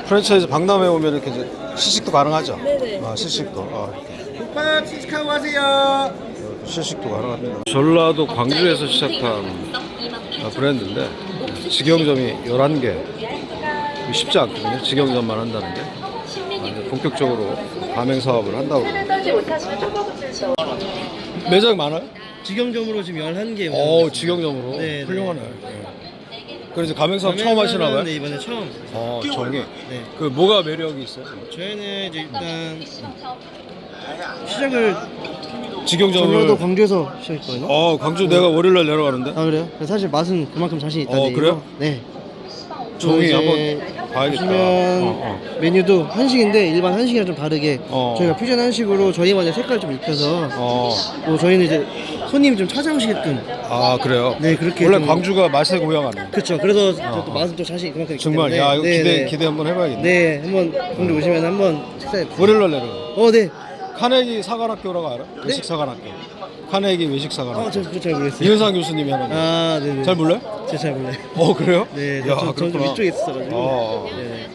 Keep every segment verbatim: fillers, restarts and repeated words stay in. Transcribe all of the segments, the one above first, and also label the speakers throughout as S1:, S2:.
S1: 프랜차이즈 박람회 오면 이렇게 이제 시식도 가능하죠?
S2: 네네.
S1: 아, 시식도. 아, 이렇게.
S3: 국밥 시식하고 가세요.
S1: 시식도 가능합니다. 전라도 광주에서 시작한 아, 브랜드인데 직영점이 열한 개. 쉽지 않거든요. 직영점만 한다는 게. 아, 이제 본격적으로 가맹 사업을 한다고. 매장 많아요?
S3: 직영점으로 지금 열한 개.
S1: 어, 직영점으로.
S3: 네,
S1: 훌륭하네. 네. 그래서 가맹 사업 처음 하시나 봐요?
S3: 네, 이번에 처음.
S1: 어, 정이.
S3: 네.
S1: 그 뭐가 매력이 있어요?
S3: 저희는 이제 일단 시작을
S1: 직영점을.
S3: 전라도 광주에서 시작했거든요.
S1: 어, 광주 내가 월요일날 내려가는데.
S3: 아 그래요? 사실 맛은 그만큼 자신 있다는
S1: 어,
S3: 얘기고.
S1: 그래요?
S3: 네.
S1: 종이
S3: 이제
S1: 한번 봐야겠다.
S3: 보시면
S1: 어, 어.
S3: 메뉴도 한식인데 일반 한식이랑 좀 다르게
S1: 어.
S3: 저희가 퓨전 한식으로 저희만의 색깔 좀 입혀서
S1: 어.
S3: 또 저희는 이제 손님이 좀 찾아오시게끔.
S1: 아, 그래요?
S3: 네, 그렇게
S1: 원래
S3: 좀-
S1: 광주가 맛의 고향 아니에요?
S3: 그렇죠. 그래서
S1: 어.
S3: 또 맛은 또 자신 그만큼 있기
S1: 정말.
S3: 때문에.
S1: 야, 이거
S3: 네,
S1: 기대,
S3: 네.
S1: 기대 한번 해봐야겠네.
S3: 네, 한번 광주 오시면 한번 식사해 보세요.
S1: 월요일날 내려가.
S3: 어, 네.
S1: 카네기 사관학교라고 알아? 외식 사관학교. 카네기 외식
S3: 어,
S1: 사관학교.
S3: 저 그거 잘 모르겠어요.
S1: 이현상 교수님이 하는 거.
S3: 아, 네, 네.
S1: 잘 몰라요?
S3: 제가 잘 몰라요.
S1: 어, 그래요?
S3: 네,
S1: 야,
S3: 저, 저, 저는 좀
S1: 그렇구나.
S3: 이쪽에 있었어가지고.
S1: 어.
S3: 네.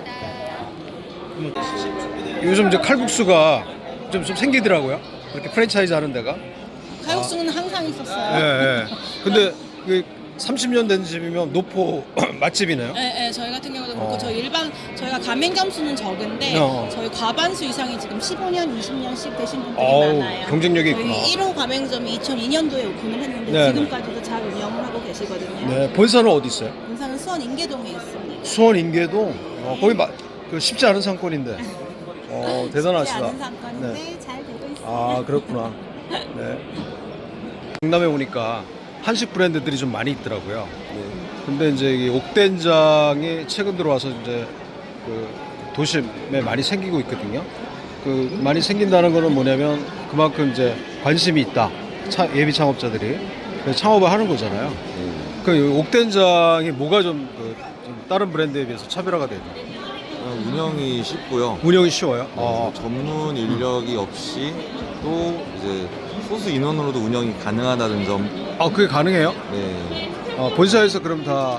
S1: 요즘 이제 칼국수가 좀, 좀 생기더라고요. 이렇게 프랜차이즈 하는 데가.
S2: 칼국수는 항상 있었어요.
S1: 예, 예. 근데 그 삼십 년 된 집이면 노포 맛집이네요.
S2: 네, 네, 저희 같은 경우도 그렇고
S1: 어.
S2: 저희 일반 저희가 가맹점 수는 적은데
S1: 어.
S2: 저희 과반수 이상이 지금 십오 년, 이십 년씩 되신 분들이
S1: 어우,
S2: 많아요.
S1: 경쟁력이
S2: 저희
S1: 있구나.
S2: 일 호 가맹점이 이천이 년도에 오픈을 했는데
S1: 네,
S2: 지금까지도 잘 운영을 하고 계시거든요.
S1: 네, 본사는 어디 있어요?
S2: 본사는 수원 인계동에 있습니다.
S1: 수원 인계동. 어, 거기 마, 그 쉽지 않은 상권인데. 어,
S2: 쉽지
S1: 대단하시다.
S2: 않은 상권인데
S1: 네.
S2: 잘 되고 있어요.
S1: 아, 그렇구나. 네. 강남에 오니까 한식 브랜드들이 좀 많이 있더라고요. 네. 근데 이제 이 옥된장이 최근 들어와서 이제 그 도심에 많이 생기고 있거든요. 그 많이 생긴다는 거는 뭐냐면 그만큼 이제 관심이 있다. 차, 예비 창업자들이. 그래서 창업을 하는 거잖아요. 그 옥된장이 뭐가 좀, 그, 좀 다른 브랜드에 비해서 차별화가 되죠?
S4: 어, 운영이 쉽고요.
S1: 운영이 쉬워요.
S4: 어,
S1: 아,
S4: 전문 인력이 없이 또 이제 소수 인원으로도 운영이 가능하다는 점.
S1: 아, 그게 가능해요?
S4: 네,
S1: 어, 본사에서 그럼 다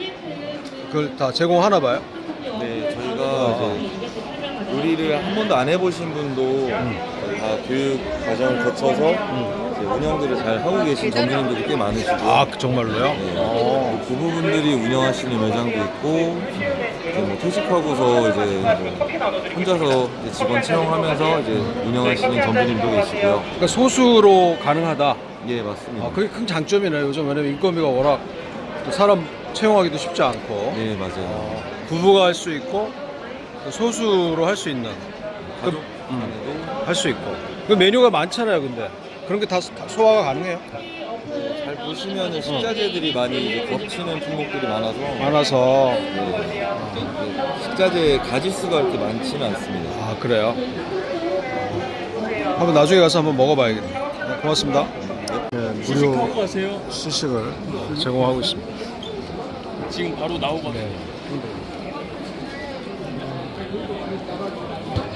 S1: 그걸 다 제공하나 봐요?
S4: 네 저희가 이제 요리를 한 번도 안 해보신 분도 다 교육 과정을 거쳐서 이제 운영들을 잘 하고 계신 점주님들이 꽤 많으시고.
S1: 아, 그 정말로요?
S4: 네,
S1: 어.
S4: 그 부부분들이 운영하시는 매장도 있고 이제 뭐 퇴직하고서 이제 뭐 혼자서 이제 직원 채용하면서 이제 운영하시는 점주님도 계시고요.
S1: 그러니까 소수로 가능하다.
S4: 예, 맞습니다.
S1: 아, 그게 큰 장점이네요. 요즘 왜냐면 인건비가 워낙 또 사람 채용하기도 쉽지 않고
S4: 네, 맞아요.
S1: 어, 부부가 할 수 있고 또 소수로 할 수 있는
S4: 가족
S1: 음.
S4: 안에도
S1: 할 수 있고 그 메뉴가 많잖아요. 근데 그런 게 다 소화가 가능해요.
S4: 잘 보시면은 식자재들이 많이 이제 겹치는 품목들이 많아서
S1: 많아서
S4: 네, 네, 식자재 가짓수가 그렇게 많지는 않습니다.
S1: 아, 그래요. 어. 한번 나중에 가서 한번 먹어봐야겠네. 네, 고맙습니다. 네, 무료
S5: 가세요.
S1: 시식을 제공하고 있습니다.
S5: 지금 바로 나오거든요.
S1: 네.